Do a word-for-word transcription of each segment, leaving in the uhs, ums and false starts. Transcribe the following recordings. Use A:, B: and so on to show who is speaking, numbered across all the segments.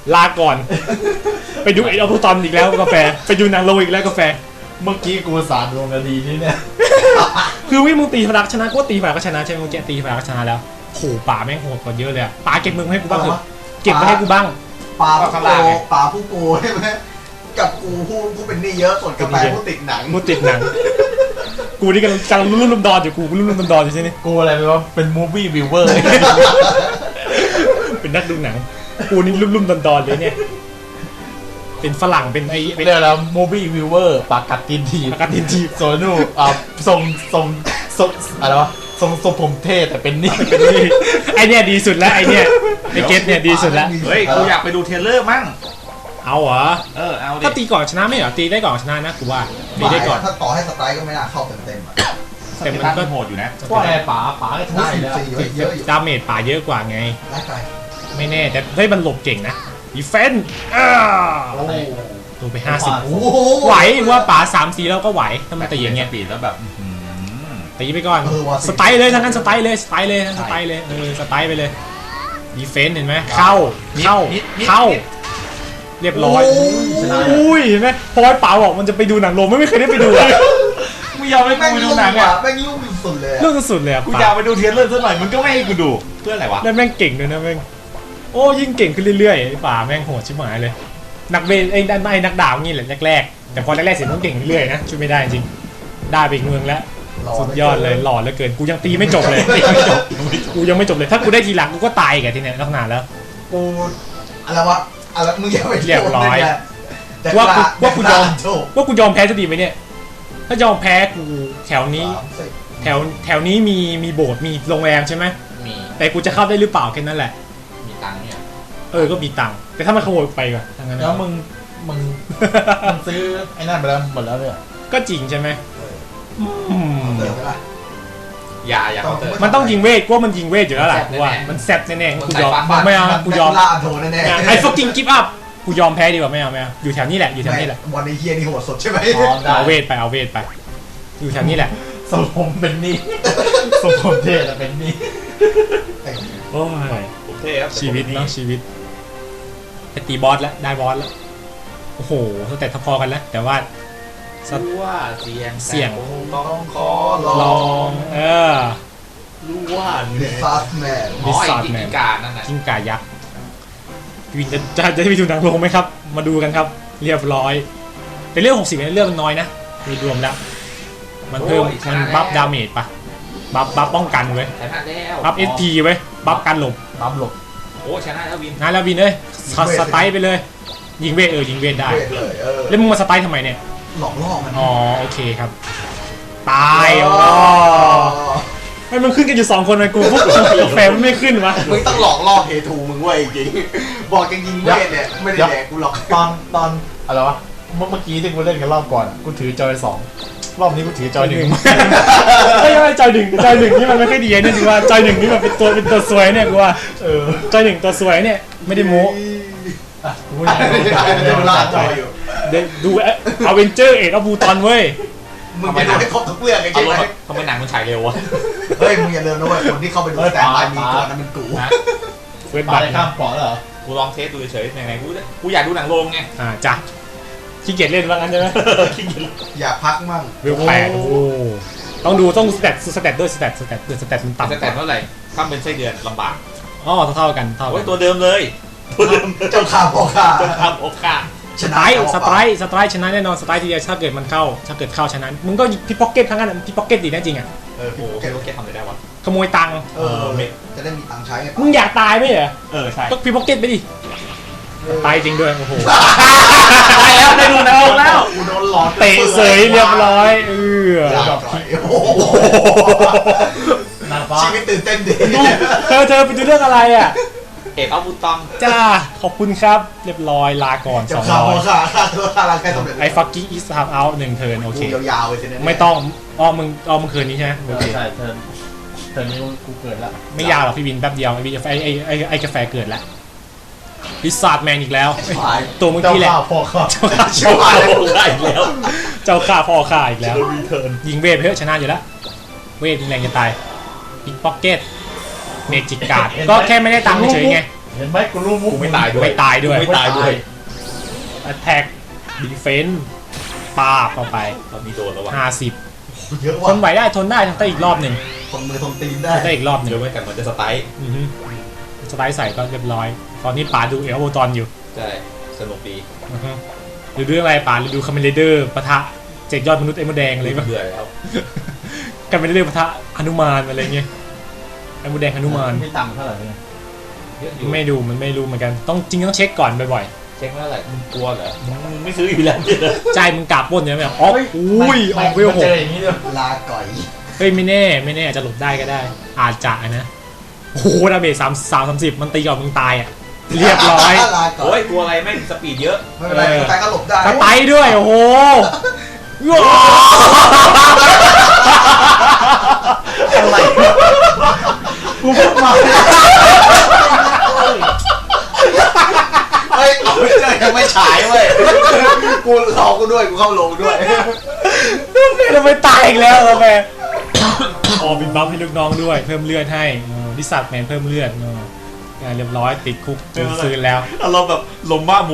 A: ลาก่อนไปดูเอ็ดออฟตอนอีกแล้วกาแฟไปดูหนังโลอีกแล้วกาแฟ
B: เมื่อกี้กูสารดวงนาทีนี้เนี่ย
A: คือวิ่งมึงตีพลักชนะก็ตีพลักก็ชนะใช่ไหมมึงแกตีพลักก็ชนะแล้วโหป่าแม่งโหดกว่าเยอะเลยป่าเก็บมึงให้กูบ้างเถอะเก็บมาให้กูบ้าง
C: ป่าผู้โกป่าผู้โกใช่ไหมกับกูผู้ผู้เป็นหนี้เยอะส่วนกาแฟผู้ติดหนัง
A: ผู้ติดหนังกูนี่กำลังกำลังรุ่มรุ่มดอนอยู่กูรุ่มรุ่มดอนอยู่ใช่ไหม
B: กูอะไรไปวะเป็นมูฟวี่วิวเวอร์
A: เป็นนักดูหนังกูนี่รุ่มรุ่มดอนดอนเลยเนี่ยเป็นฝรั่งเป็นไอ้
B: เรียกแล้วมูฟวี่วิวเวอร์ปากกัดตินที
A: ปากกัดตินที
B: โซนูอ่าทรงทรงทรงอะไรวะทรงทรงผมเท่แต่เป็นนี่
A: เป็นนี่ไอเนี่ยดีสุดแล้วไอเนี่ยไอเกตเนี่ยดีสุดแล้ว
D: เฮ้ยกูอยากไปดูเทเลอร์มั่ง
A: เอาเหรอ
D: เออเอาดิ
A: ถ้าตีก่อนชนะไม่เหรอตีได้ก่อนชนะนะกูว่าตีได้ก่อน
C: ถ้าต่อให้สไตล์ก็ไม่น่าเข้าเต็มเต็มอ่ะ
A: แต่มันก็
D: โหดอยู่นะ
B: ว่าไงป๋าป๋าก็ชนะแล้ว
C: เยอะอยู่
A: ดาเมจป่าเยอะกว่าไง
C: ได้ไป
A: ไม่แน่แต่ได้มันหลบเก่งนะดีเฟนส์ลงไปห้าสิบไหวว่าป่าสามสีแล้วก็ไหวถ้ามันตีอย่างเงี้ย
D: ปีแล้วแบบ
A: ตีไปก่อนสไตล์เลยทั้งนั้นสไตล์เลยสไตล์เลยทั้งสไตล์เลยเออสไตล์ไปเลยดีเฟนส์เห็นไหมเข้าเข้าเข้าเรียบร้อยอุ้ยเห็นไหมพอไอ้ป๋าบอกมันจะไปดูหนังโรงไม่เคยได้ไปดูอ่ะ
D: กูอยากไปดูหนังอ่ะ
C: แม่งยุ่งสุดเลย
A: เรื่องสุดเลยอ่ะ
D: กูอยากไปดูเทเลอร์สักหน่อยมันก็ไม่ให้กูดูเพื่ออะไรวะ
A: แล้วแม่งเก่งด้วยนะแม่งโอ้ยิ่งเก่งขึ้นเรื่อยๆไอ้ป๋าแม่งโหดชิบหายเลยนักเบสไอ้ด้านไอ้นักดาวงี้แหละแรกๆแต่พอแรกๆเสียต้องเก่งเรื่อยๆนะช่วยไม่ได้จริงได้ไปอีกเมืองแล้วสุดยอดเลยหล่อเหลือเกินกูยังตีไม่จบเลยไม่จบกูยังไม่จบเลยถ้ากูได้ทีหลังกูก็ตายกันทีเนี้ยตั้งนานแล้ว
C: กูอะไรวะอะไรมึงยังไม่
A: เรียบร้อยว่ากูว่ากูยอมว่ากูยอมแพ้จะดีไหมเนี่ยถ้ายอมแพ้กูแถวนี้แถวแถวนี้มีมีโบสถ์มีโรงแรมใช่ไหม
D: มี
A: แต่กูจะเข้าได้หรือเปล่าแค่นั้นแหละ
D: มีตังค์เนี่ย
A: เออก็มีตังค์แต่ถ้ามันขโมยไปก่อนทั้งนั้น
B: แล้วมึงมึงมึงซื้อไอ้นั่นไปแล้วหมดแล้วเนี่ย
A: ก็จริงใช่ไหม
D: อย่าอย่าเขาเติม
A: มันต้องยิงเวทกูว่ามันยิงเวทอยู่แล้วแหละกูว่ามันแซ่บแน่ๆกูยอมไม่เอากูยอมไอ้ fucking give up กูยอมแพ้ดีกว่าไม่เอาไม่เอาอยู่แถวนี้แหละอยู่แถวนี้แหละ
C: วันนี้เฮียนี่โหดสดใช่ไหม
A: เอาเวทไปเอาเวทไปอยู่แถวนี้แหละ
B: สมผมเป็นนี่สมผมเท่แต่เป็นนี่
A: โอ้ยชีวิตเนาะชีวิตไปตีบอสแล้วได้บอสแล้วโอ้โหแต่ถ้าพอกันแล้วแต่ว่า
D: รู้ว่าเสียง
A: เสียง
D: ต้องขอ
A: ลองเออ
D: รู้ว่า
C: ดิซาร์แมน
D: ดิซาร์แมนกิ้งก่านั่นน่ะ
A: กิ้งก่ายักษ์วินจะจะจะไปดูหนังโรงไหมครับมาดูกันครับเรียบร้อยแต่เรื่องหกสิบเนี่ยเรื่องมันน้อยนะโดยรวมแล้วมันเพิ่มมันบัฟดาเมจปะบัฟบัฟป้องกันเว้ยบัฟเอสพีเว้ยบัฟกันหลบ
B: บัฟหลบ
D: โอ้ชนะแล้ววิน
A: นะแล้ววินเลยสไตล์ไปเลยยิงเวทเออยิงเวทได้แล้วมึงมาสไตล์ทำไมเนี่ย
C: หลอกล่อมัน
A: อ๋อโอเคครับตายอ๋อไม่มันขึ้นกันอยู่สองคนเลยกูพวกกาแฟมันไม่ขึ้นวะ
C: มึงต้องหลอกล่อเฮทูมึงเว้ยจริงบอกจริงๆเวทเนี่ยไม่ได้แดกกูหรอก
B: ตอนตอนอะไรวะเมื่อกี้ที่กูเล่นกันรอบก่อนกูถือจอยสองรอบนี้กูถือจอยหนึ่ง
A: ไม่ไม่จอยหนึ่งจอยหนึ่งนี่มันไม่ค่อยดีนี่จริงว่าจอยหนึ่งนี่มันเป็นตัวเป็นตัวสวยเนี่ยกูว่าเออจอยหนึ่งตัวสวยเนี่ยไม่ได้โม้
B: กูไม่ได้
C: ล่าจอยอยู่
A: ดูอเวนเจอร์เอ็ดอบูตอนเว้ย
C: มึงไปดูให้ครบทุกเรื่องไอ้เจ๊ไหม
D: ทำไมหนังมันฉายเร็ววะ
C: เฮ้ยมึงอย่าลืมนะเว้ยคนที่เข้าไปดูแต่ตายมีก่อนนั้นมันกู
A: เฟิร์ส
B: บัตรข้ามเกาะเหรอ
D: กูลองเทสดูเฉยๆไหนๆกูกูอยากดูหนังโรงไง
A: อ่าจ้ะขี้เกียจเล่นว่างั้นใช่ไหม
D: ขี้เกียจ
C: อยากพักมั่ง
A: เวลแปดโอ้ต้องดูต้องสแตทสแตทด้วยสแตทสแตทสแตทมันต่ำ
D: สแตทเท่าไหร่ข้ามเป็นไส้เดือนลำบาก
A: อ๋อเท่ากันเท่ากัน
D: ตัวเดิมเลยตัวเดิม
C: เจ้าข้าพ่อข้า
D: เจ้าข้าพ่อข้า
A: สไตล์สไตล์สไตล์ชนะแน่นอนสไตล์ทีเดียวถ้าเกิดมันเข้าถ้าเกิดเข้าชนะมึงก็พิพ็อกเก็ตทั้งนั้นพิพ็อกเก็ตดีแน่จริงอ่ะ
D: เออโอ้โหพิพ็อกเก็ตทำอะไรได้วะ
A: ขโมยตังค์
C: เออจะได้มีตังค์ใช้ไง
A: มึงอยากตายไหมเหรอ
D: เออใช่
A: ก็พิพ็อกเก็ตไปดิตายจริงด้วยโอ้โห
D: ตายแล้วได้ดูหนังแล้ว
C: กูโดนหลอก
A: เตะเสยเรียบร้อยเออ
C: ชีวิตตื่นเต้นดี
A: เธอเธอไปดูเรื่องอะไรอ่ะ
D: เอกเอาบุตอง
A: จ้าขอบคุณครับเรียบร้อยลาก่อนสองร้อย
C: ค่าค่าตัวค่าร่างกายสำเร็จ
A: ไอ้ฟักกี้อีสทามเอาหนึ่งเทิร์นโอเค
C: ยาวๆเลยใช่ไหม
A: ไม่ต้องอ้อมึงอ้อมึงคืนนี้ใช่ไหม
B: โอเคใช่เทิร์นเทิร์นนี้กูเกิดแล้ว
A: ไม่ยาวหรอกพี่วินแป๊บเดียวไอ้ไอ้ไอ้ไอ้ไอ้กาแฟเกิดแล้วพิซซ่าแมนอีกแล้วตัวมึงที่แหละ
B: พ่อข้า
A: เจ้าข้าเจ้าข้าอีกแล้วเจ้าข้าพ่อข้าอีกแล้วยิงเวทเพื่อชนะอยู่แล้วเวทยิงแรงจะตายพิกพ็อกเก็ตเมจิกการ์ดก็แค่ไม่ได้ตังค์เฉยไง
B: เห็นไหมกูรู้มุก
D: กูไม่ตายด้วย
A: ไม่ตายด้วย
D: ไม่ตายด้วย
A: attack defense ปาบเข้าไป
D: ตอนนี้โดนแล้ววะ
A: ห้าสิบ
C: เยอะ
A: ท
C: ว่ะ
A: นไหวได้ทนได้ทนได้อีกรอบหนึ่ง
C: ทนมือทนตีน
A: ท
C: ได้
A: นได้อีกรอบหนึ่ง
D: เดี๋ยวไม่กันมันจะสไตล์
A: อือฮึสไลด์ใส่ก็เรียบร้อย ตอนนี้ป๋าดูเอลโบตอนอยู่
D: ใช่สนุกดี
A: อือฮึหรือดูอะไรป๋าหรือดูคาเมเลเดอร์ปะทะเจ็ดยอดมนุษย์ไอ้มดแดงอะไรบ้าง
D: เบื่อแล้ว
A: คาเมเลเดอร์ปะทะหนุมานอะไรเงี้ยไอ้มดแดงหนุมาน
B: ไม่ตังค์เท่าไหร่เนี่ย
D: เยอะอยู่
A: ไม่ดูมันไม่รู้เหมือนกันต้องจริงต้องเช็คก่อนบ่อย
D: เช็คว่าอะไรมึงกลัวเหรอมึงไม่ซื้ออยู่แล้วเนี่ย
A: ๆใจมึงกลับปล้นใช่ไหมอ๋ออุ้ยออกเวลห
B: เจ
A: ก
B: ออย่างนี้ด้วย
C: ลาก่อย
A: เฮ้ยไม่แน่ไม่แน่อาจจะหลบได้ก็ได้ อาจจะนะโอ้โหดาเมจสามสามสามสิบมันตีก่อนมึงตายอ่ะเรียบร้อย
C: ลาก่อ
D: โอ้
C: ย
D: ยกลัวอะไรแม่งสปีดเยอะ
C: ไม่เป็นไรใครก็หลบได้
A: สไตล์ด้วยโอ้โหว้าว
B: อะไรกูพูดมา
C: เฮ้ยเอาไม่เจอยังไม่ฉายเว้ยกูรอกูด้วยกูเข้าลงด้วย
A: เราไม่ตายอีกแล้วเราไปอ๋อบินบัฟให้ลูกน้องด้วยเพิ่มเลือดให้ดิสัตแมนเพิ่มเลือดเรียบร้อยติดคุกจนฟื้นแล้ว
D: อารมณ์แบบลมบ้าหมู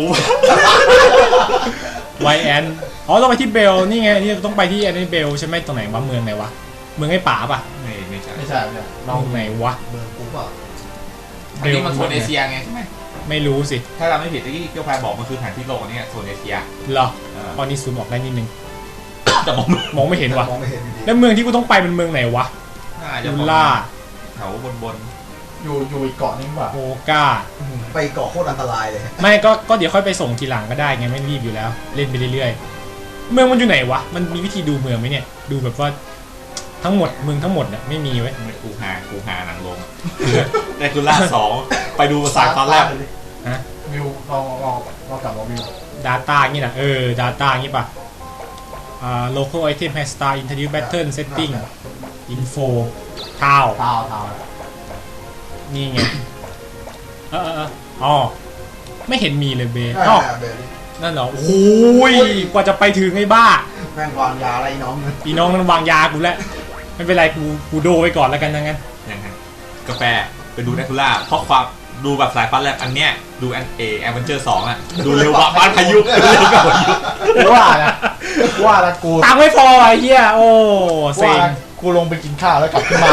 A: ไวแอนอ๋อต้องไปที่เบลนี่ไงนี่ต้องไปที่แอนนี่เบลใช่ไหมตรงไหนวะเมืองไหนวะเมืองไอ้ป่าป่ะ
D: ไม่ไม่ใช่
B: ไม่ใช่เนี่ย
A: ตรงไหนวะ
C: เบอร์กูเปล่า
D: อันนี้มันโซนเอเชียไงใช่ไหม
A: ไม่รู้สิ
D: ถ้าเราไม่ผิดที่เกียวพายบอกมันคือแผนที่โลกอันนี้โซนเอเชีย
A: เหรอ
D: เออ
A: ตอนนี้ซูมออกได้นิดนึง
D: แต่มอง
A: มองไม่เห็นวะ
C: มองไม่เห็นอยู่ดี
A: แล้วเมืองที่กูต้องไปเป็นเมืองไหนวะ
D: น่าจะ
A: ยูล่า
D: แถวบนบน
B: อยู่อยู่อีกเกาะนึงป่ะ
A: โอกา
C: ไปเกาะโคตรอันตรายเลย
A: ไม่ก็ก็เดี๋ยวค่อยไปส่งทีหลังก็ได้ไงไม่รีบอยู่แล้ว เล่นไปเรื่อยๆเมืองมันอยู่ไหนวะมันมีวิธีดูเมืองไหมเนี่ยดูแบบว่าทั้งหมดเมืองทั้งหมดเนี่ยไม่มีไว้ย
D: กูหากูหาหนังลงในคุณล่าสองไปดูสายตอนแรก
A: ฮะ
B: วิวลองลองลองกลับมาวิว
A: Data งี้นะเออ Data งี้ป่ะอ่า local item has star introduce pattern setting info ท้าว
B: เท้าเท้า
A: นี่ไงเออเออเอออ๋อไม่เห็นมีเลยเบ
C: ใช่
A: อ๋อ
C: เบอร์นี้
A: นั่นเหรอโอ้ยกว่าจะไปถึงไอ้บ้า
C: แม่งวางยาอะไรน้องเนี่ย
A: พี่น้องมันวางยากูแล้วไม่เป็นไรกูกูโดไว้ก่อนแล้วกันนะงั้น
D: ยังไงกาแฟไปดูในคุณล่าเพราะความดูแบบสายฟ้าแลบอันเนี้ยดูแอนเอแอเวนเจอร์สองอ่ะดูเร็วกว่าบ้านพายุดูเร็วกว่าพายุ
B: ว่านะว่าละกู
A: ตังค์ไม่พอไอ้เหี้ยโอ้เซ็
B: ว่าง ละกูลงไปกินข้าวแล้วกลับขึ้นมา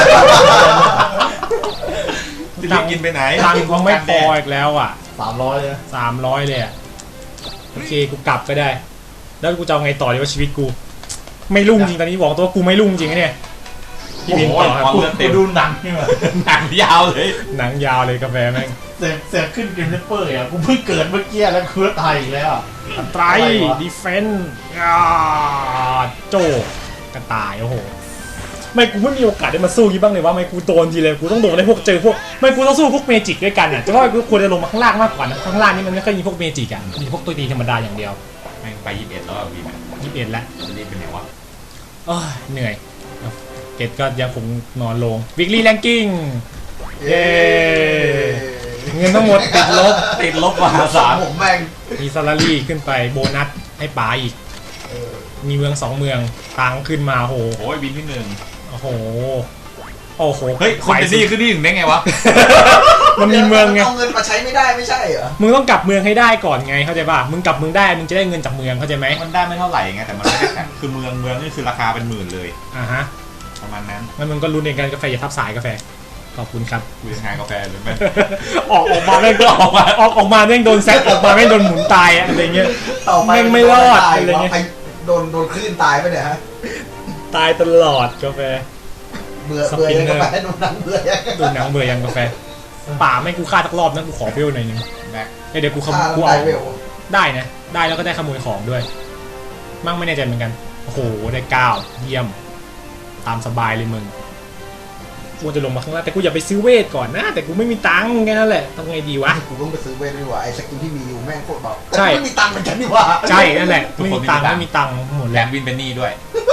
D: จะรีบกินไปไหน
A: ตังค์กูไม่พออีกแล้วอ่ะ
B: สามร้อยเลย
A: สามร้อยเลยอ่ะโอเคกูกลับก็ได้ แล้วกูจะเอาไงต่อดีว่าชีวิตกู ไม่รุ่งจริงตอนนี้บอกตัวกูไม่รุ่งจริงนะเนี่ยพี่บินต่อครับ
D: โอ้โห
B: กูดูหนังนี่มา
D: หนังยาวเลย
A: หนังยาวเลยกาแฟแม่ง
B: เสียเสียขึ้นเกมเนเปอร์อ่ะกูเพิ่งเกิดเมื่อกี้แล้วกูตายอีกแล้ว
A: อันตรายดีเฟนส์โจกระต่ายโอ้โหไม่กูไม่มีโอกาสได้มาสู้ยี่บ้างเลยว่าไม่กูโดนทีเลยกูต้องโดนได้พวกเจอพวกไม่กูต้องสู้พวกเมจิกด้วยกันอ่ะจะว่ากูควรจะลงมาข้างล่างมากกว่านะข้างล่างนี่มันไม่ค่อยมีพวกเมจิกอ่ะมีพวกตัวตีธรรมดาอย่างเดียว
D: แม่งไปยี่สิบเอ็ดแล้วอ่ะวีมัน
A: ยี่สิบเอ็ดแล้ว
D: จะรีบเป็นไงวะ
A: โอ้ยเหนื่อยเกตก็ยังคงนอนลงวิกลี่แรงกิ้ง เย้ เงินทั้งหมดติดลบ
D: ติดลบมหาศาล
C: ผมแม่ง
A: มีซาลารี่ขึ้นไปโบนัสให้ป๋าอีก
C: เออ
A: มีเมืองสองเมืองตังค์ขึ้นมาโห
D: โอ้ยบินที่หนึ่ง
A: โอ้โหโอ้โห
D: เฮ้ยคนเป็นหนี้ขึ้นที่หนึ่งได้ไงวะ
A: มันมีเมืองไง
C: เอาเงินมาใช้ไม่ได้ไม่ใช่เหรอ
A: มึงต้องกลับเมืองให้ได้ก่อนไงเข้าใจป่ะมึงกลับเมืองได้มึงจะได้เงินจากเมืองเข้าใจไหม
D: มันได้ไม่เท่าไหร่ไงแต่มันไม่ได้แข่งคือเมืองเมืองนี่คือราคาเป็นหมื่นเลย
A: อ่าฮะ
D: ประมาณนั้น
A: งั้นมึงก็รู้ในการกาแฟอย่าทับสายกาแฟขอบคุณครับ
D: คุยงานกาแฟหรือไม่
A: ออกออกมาแม่งก็ออกมาออกออกมาแม่งโดนแซกออกมาแม่งโดนหมุนตายอะอะไรเงี้ย
C: ต่อไป
A: แม่งไม่รอด
C: ตาย
A: อะไรเงี้ย
C: วะโดนโดนคลื่นตายไปเนี่ยฮะ
A: ตายตลอดกาแฟ
C: เบื่อเบื่อยังกาแฟโดนหนังเบื่อยัง
A: ดูหนังเบื่อยังกาแฟป่าไม่กูฆ่าสักรอบนะกูขอเบลหน่อยนึง
D: แม็ก
A: เอ้ยเดี๋ยวกูขโม
C: ฆ่าย
A: กู
C: แล้ว
A: เอา
C: ได้เวล
A: ได้นะได้แล้วก็ได้ขโมยของด้วย มั่งไม่แน่ใจเหมือนกันโอ้โหได้เก้าเยี่ยมตามสบายเลยมึงกูจะลงมาข้างล่างแต่กูอย่าไปซื้อเวทก่อนนะแต่กูไม่มีตังค์แค่นั้นแหละทำไงดีวะ
C: กูต้องไปซื้อเวทดีกว่าไอ้สกินที่มีอยู่แม่งโคตรเบา
A: ใช่
C: แต่กูไม่มีตังค์เหมือนกันนี่หว่า
A: ใช่นั่นแหละไม่มีตังค์ไม่มีตังค์หมด
D: แล
A: แล้ว
D: มวินเป็นหนี้ด้วย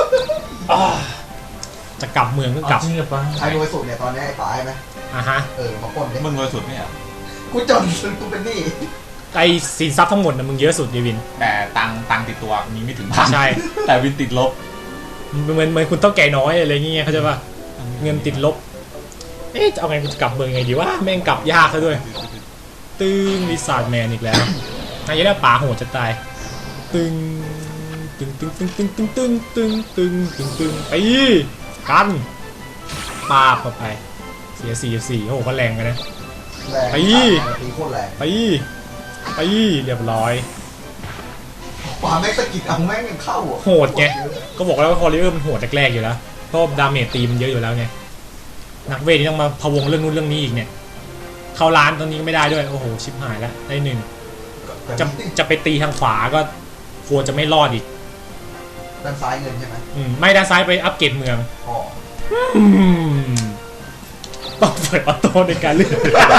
A: จะกลับเมืองก็กลับ
B: จริงหรือเปล่า
C: ใครรวยสุดเนี่ยตอนนี้ไอ้ป๋าใช่ไหม
A: อ่ะฮะ
C: เออมาปล้นดิ
D: มึงรวยสุดไหมอ่ะ
C: กูจนกูเป็นหนี้
A: ไอสินทรัพย์ทั้งหมดนะมึงเยอะสุดเดวิน
D: แต่ตังตังติดตัวมีไม่ถึงพัน
A: ใช่
D: แต่วินติดลบ
A: เหมือนเหมือนคุณต้องแก่น้อยอะไรเงี้ยเขาใจป่ะเงินติดลบเอ๊ะจะเอาไงกูจะกลับเมืองไงดีวะแม่งกลับยากซะด้วยตึงลิซาร์ดแมนอีกแล้วนายจะได้ป่าโหดจะตายตึงตึงตึงตึงตึงตึงตึงตึงตึงตึงตึงไปกันปาบเข้าไปเสียสี่สี่โอ้โหก็แรงกันนะ
C: แรง
A: ไป
C: ตีโคตรแรง
A: ไปไปเรียบร้อย
C: ขวาแม็กสกิดเอาแม่งยังเข้าอ่ะ
A: โหดไง ก็บอกแล้วว่าคอริเออร์มันโหดแรกๆอยู่แล้วเพราะดาเมจตีมันเยอะอยู่แล้วไงนักเวทนี่ต้องมาพะวงเรื่องนู้นเรื่องนี้อีกเนี่ยเข้าร้านตอนนี้ก็ไม่ได้ด้วยโอ้โหชิบหายแล้วได้หนึ่งจะจะไปตีทางขวาก็กลัวจะไม่รอดอีก
C: ด้านซ้ายเงินใช่ไหม
A: อืมไม่ด้านซ้ายไปอัปเกรดเมือง
C: อ๋อ
A: อืมต้องเปิดออโต้ในการเลือก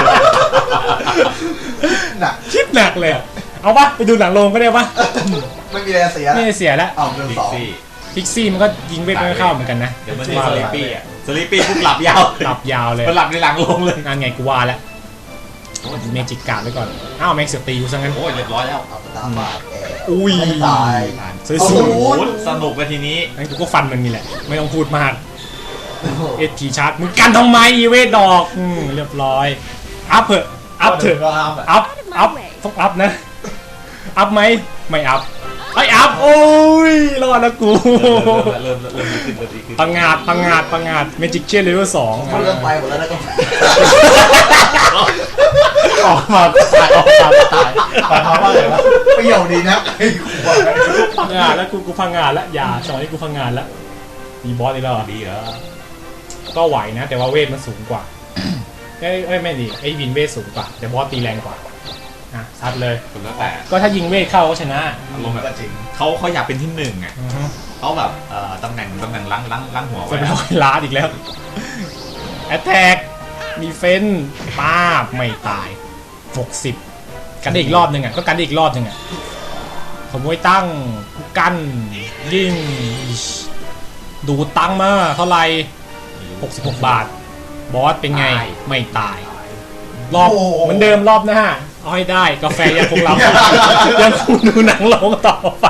C: หนัก
A: คิดหนักเลยอะเอาปะไปดูหนังโรงก็ได้ปะ
C: ไม่มีอะไรเสีย
A: ไม่ได้เสียแล้ว
C: เอาเงิน
D: พิ
C: ส
D: ก
C: อง
D: ซี่
A: พิกซี่มันก็ยิงเวทไม่เข้าเหมือนกันนะ
D: เดี๋ยวมันจะสลิปปี้อ่ะสลิปปี้ปุ๊บหลับยาว
A: หลับยาวเลย
D: มันหลับในหลังลงเลย
A: งานไงกูว่าแล้วเมจิกการ์ดไว้ก่อนอ้าวแม็กเสียตีกูซะงั้น
D: โอ้ยเรียบร้อยแล้ว
C: เอาตามบาดแอร์
A: อุ้ย
C: ไม่ตาย
A: สวย
C: โอ้
A: ส
C: โห
A: วย
D: โอ้โหสนุกไปทีนี้
A: งั้นกูก็ฟันมันนี่แหละ ไม่ต้องพูดมากเอทีชาร์จมึงกันทำไมอีเวทดอกอืมเรียบร้อยอัพเถอะอัพเถอะ
B: ก็ห้ามอะ
A: อัพอัพต้องอัพนะอัพไหมไม่อัพไออัพโอ้ยรอดแล้วกู
D: เริ่มเริ่มเริ่มดีขึ้นเริ่มดีขึ้น
A: พังงาดพังงาดพังงาดเมจิกเชียร์เลเวลสอง
C: เขาเริ่มไปหมดแล้วนะก็
B: ออกมาตายออกมาตายหมายความว่าอะไรวะ
C: ประโยชน์ดีนะไอ้ขวา
A: พังงาดแล้วกูกูพังงาดแล้วอย่าสอนให้กูพังงาดแล้วมีบอสอีกแล้วเหรอ
D: ดีเหรอ
A: ก็ไหวนะ แต่ว่าเวทมันสูงกว่าเอ้ยเอ้ยไม่ดีไอ้วินเวทสูงกว่าแต่บอสตีแรงกว่าอ่ะซัดเลย
D: คนแล้วแต่
A: ก็ถ้ายิงเวทเข้าก็ชนะ
D: อารมณ์แบบ
C: ก็จริง
D: เขาเขาอยากเป็นที่หนึ่งอ่ะ
A: อือฮึ
D: เขาแบบเอ่อตำแหน่งตำแหน่งล้างล้างล้างหัว
A: จะ
D: ไว้
A: ไปร้อยล้านอีกแล้วแอตแทกมีเฟนป้าบไม่ตายหกสิบกันได้อีกรอบหนึ่งอ่ะก็กันได้อีกรอบหนึ่งอ่ะขโมยตั้งกันยิงดูตั้งมาเท่าไหร่หกสิบหกบาทบอสเป็นไงไม่ตาย รอบ
C: โอ้โห
A: เหมือนเดิมรอบหน้าเอาให้ได้กาแฟยังคงรับ ยังคงดูหนังลงต่อไป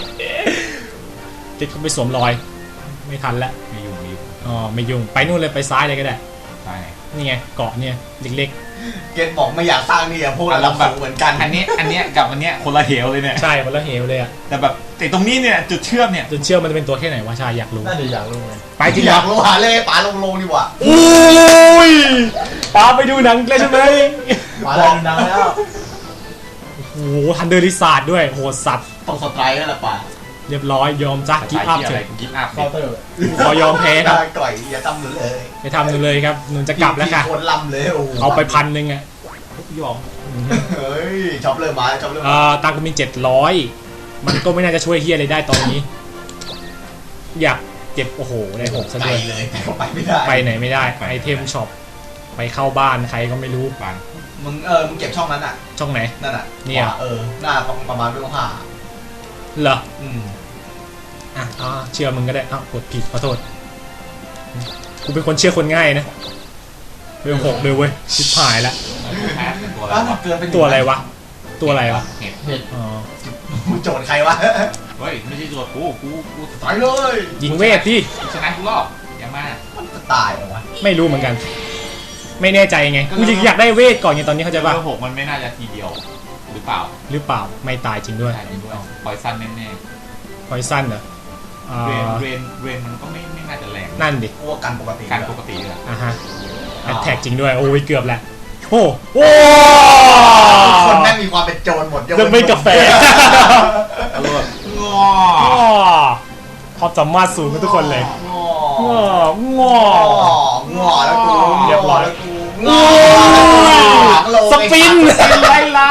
A: ติดเข้าไปสวมรอย ไม่ทันแล้ว
D: ไม่ยุ่งไม่ยุ่ง
A: อ๋อไม่ยุ่งไปนู่นเลยไปซ้ายเลยก็ได้
D: ใช่
A: นี่ไงเกาะเนี่ยเล็ก
C: เกณฑ์บอกไม่อยากสร้างนี่อะพวกเราแบบเหมือนกัน
D: อันนี้อันเนี้ยกับอันเนี้ยคนละเหวเลยเนี่ย
A: ๆใช่วันละเหวเลยอ่ะ
D: แต่แบบแต่ตรงนี้เนี่ยจุดเชื่อมเนี่ย
A: จนเชื่อมันจะเป็นตัวแค่ไหนวะชายอยากรู้
B: น่าจะอยากรู้ไง
A: ไปจริง
C: อ
A: เหร
C: ยา
A: อก
C: รู้หาเลยป๋าลงลงดีกว่า
A: อุ้ยปาไปดูหนังเลยใช่ไหม
B: มาแล้วดังแล้ว
A: โอ้โหทันเดอร์ลิซาร์ดด้วยโหดสัตว์
C: ต้องสไตร์แล้วล่ะป๋า
A: เรียบร้อยยอมจ้ากิฟต์อัพ
D: อะ
A: เถ
D: ไร
A: อะ
D: กิฟต์อัพ
B: เคาน์เตอร์
A: ขอยอมแพ้ครับ
C: ได้ก่อยอย่าทำหนูเลย
A: ไปทำดูเลยครับหนูจะกลับแล้วค่ะ
C: พี่คนลำเลยโอ้โห
A: เอาไปพันหนึ่งอ่ะ
D: ยอม
C: เฮ้ยชอบเริ่มมาชอบเริ่ม
A: เอ่
C: มา
A: อตังค์กูมีเจ็ดร้อยมันก็ไม่น่าจะช่วยเฮียอะไรได้ตอนนี้ อยากเจ็บโอ้โหได้หกซะ
C: ไป
A: ด้วย
C: เลยไปไม่ได้
A: ไปไหนไม่ได้ไอเทมช็อปไปเข้าบ้านใครก็ไม่รู้
D: ปัน
C: มึงเออมึงเก็บช่องนั้นอ่ะ
A: ช่องไหน
C: นั่นอ่ะ
A: เนี่ย
C: ขวาเออหน้าประมาณเรื่องผ้า
A: เหรอ
C: อืม
A: อ่ะอ่าเชื่อมึงก็ได้อ้าวกดผิดขอโทษกูเป็นคนเชื่อคนง่ายนะเรื่องหกเลยเว้ยชิบหายละ
D: แพ้เป็นตัวอะไร
C: อ้าว
D: วะ
C: เกินเป็น
A: ตัวอะไรวะตัวอะไรวะ
D: เห็ด
B: เห็ด
A: อ๋อ
C: มึงโจทย์ใครวะ
D: เฮ้ยไม่ใช่ตัวกูกูกู
C: ตายเลย
A: ยิงเวทที่
D: กูชนะกูรอบอย่ามา
C: มันจะตายเหรอวะ
A: ไม่รู้เหมือนกัน ไม่แน่ใจไงกูอยากได้เวทก่อนไงตอนนี้เข้าใจ
D: เบอ
A: ป่ะ
D: ร์หกมันไม่น่าจะทีเดียวหรือเปล่า
A: หรือเปล่าไม่ตายจริงด้วย
D: ใช่จริงด้วยพอยซันแน่
A: พอยสั้นเหรออ่า
D: ๆเรนเรนเรนมันก็ไม่ไม่น่าจะแรง
A: นั่นดิ
C: กูว่ากันปกติ
D: การปกติเลยอะ
A: อ่ะฮะแอตแทกจริงด้วยโอ้ยเกือบแหละโอ้โอ้
C: คนแม่งมีความเป็นโจรหมดย
A: เลือกไม่กาแฟ
D: อร่อยงอ
A: ความสามารถสูงกันทุกคนเลย
C: งอ
A: ง้ององ
C: อแล้วกู
A: เรียบร้อย
C: งอ
A: สปิน
C: ไรล่ะ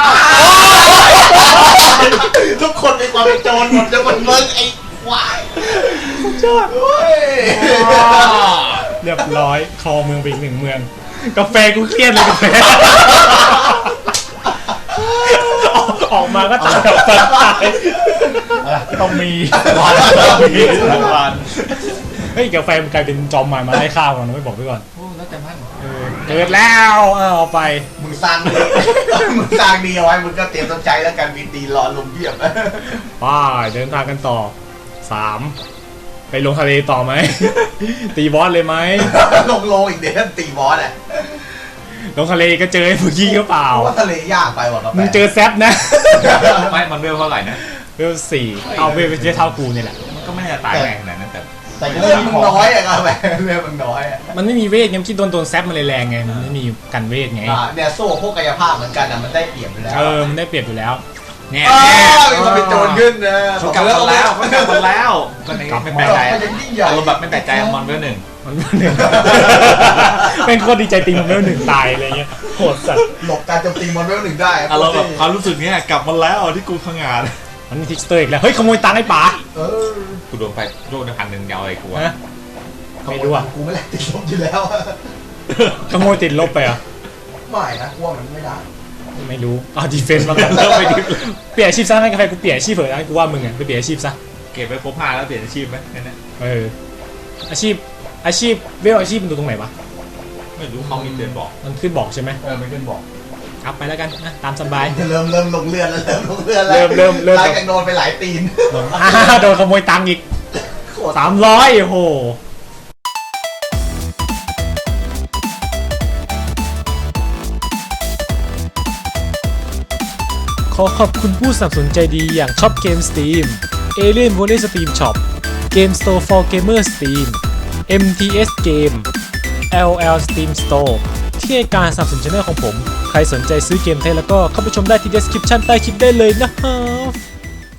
C: ทุกคนมีความเป็นโจรหมดยกเว้นมึงไอ้ควาย
A: ยอด
C: เฮ้ย
A: เรียบร้อยคอเมืองไปอีกหนึ่งเมือง กาแฟกูเครียดเลยกาแฟออกมาก็ตายแบบตาย
B: อะไรต้องมี
D: วันมีวัน
A: เฮ้ยกาแฟมันกลายเป็นจอมมารมาไล่ข้าวก่อนนะไม่บอกไว้ก่อน
D: โอ้แล้วแต่มัน
A: เออเกิดแล้วเอาไป
C: มึงสร้างดีมึงสร้างดีเอาไว้มึงก็เตรียมต้นใจแล้วกันมีตีรอลมเพียบ
A: ป้าเดินทางกันต่อสามไปลงทะเลต่อไหม ตีบอสเลยไหม
C: ลงโลอีกเดี๋ยวตีบอสอ่ะ
A: ลงทะเลก็เจอไอ้พวกขี้ก็เปล่า
C: ว่าทะเลยากไปว่ะกาแฟ
A: มึงเจอแซปนะ
D: ไม่มันเวลเท่าไหร่นะ
A: เวลสี่เอาเวลไปเท่ากูนี่แหละ
D: มันก็ไม่ได้ตายแรงขนาดนั้นแต่
B: แต่ก็
C: เลื
B: เล่
C: อด
B: น
C: มึง
B: ของ
C: น้อยอะกาแฟเลือดมึงน้อยอะ
A: มันไม่มีเวทไงคิดโดนโดนแซปมันเลยแรงไงมันไม่มีกันเวทไง
C: อ่าเนี่ยโซ่พวกกายภาพเหมือนกันอะมันได้เปรียบอยู่แล้ว
A: เออมันได้เปรียบอยู่แล้ว
D: เนี่ย
C: เออมีคนเป็นโจรขึ้นนะ
D: เขากลับมาแล้วเขากลับมาแล้วก็ไม่ไม่แปลกใจ
C: มันยังยิ่งใหญ่
D: อารมณ์แบบไม่แปลกใจมอนเวลหนึ่ง
A: มันหนึ่ง เป็นโคตรดีใจติงมันเวลหนึ่งตายอะไรเงี้ยโหดสัตว์
C: หลบการโจมตีมอนเวลหนึ่งได้
D: อารมณ์แบบความรู้สึกเนี้ยกลับมาแล้วที่กูพังงาน
A: มันมีทิกสเตอร์อีกแล้วเฮ้ยขโมยตังค์ไอ้ป๋า
C: เออ
D: กูโดนไปโดนพันหนึ่งยาวไอ้กู
A: ฮะ ไม่รู้อะ
C: กูไม่แหลกติดลบอยู่แล้วอะ
A: ขโมยติดลบไปเหรอ่ะ
C: ไม่นะกลัวมันไม่ได้
A: ไม่รู้อ้าวดีเฟนต์มากันเริ่มไปดิเปลี่ยนอาชีพซะไม่กาแฟกูเปลี่ยนอาชีพเถอะนะกูว่ามึงอ่ะไปเปลี่ยนอาชีพซะ
D: เก็บไปครบห้าแล้วเปลี่ยนอาชีพไหมนั่นนะ
A: เอออาชีพอาชีพเวลอาชีพมันดูตรงไหนวะ
D: ไม่รู้เขามีเตือนบอก
A: มันขึ้นบอกใช่ไหม
B: เออมันขึ้นบอก
A: อัพไปแล้วกันนะตามสบาย
C: เริ่มเริ่มลงเลือดแล้วเริ่มลงเลือดแล้ว
A: เริ่มเริ่มเริ่ม
C: หลังจากโดนไปหลายตีน
A: อ่าโดนขโมยตังค์อีก
C: โคตร
A: สามร้อยโอ้โหขอขอบคุณผู้สนับสนุนใจดีอย่างช็อปเกม Steam Alien Volley Steam Shop Game Store for Gamer Steam เอ็ม ที เอส Game แอล แอล Steam Store ที่ให้การสนับสนุนช่องของผม ใครสนใจซื้อเกมไทยแล้วก็เข้าไปชมได้ที่ description ใต้คลิปได้เลยนะฮะ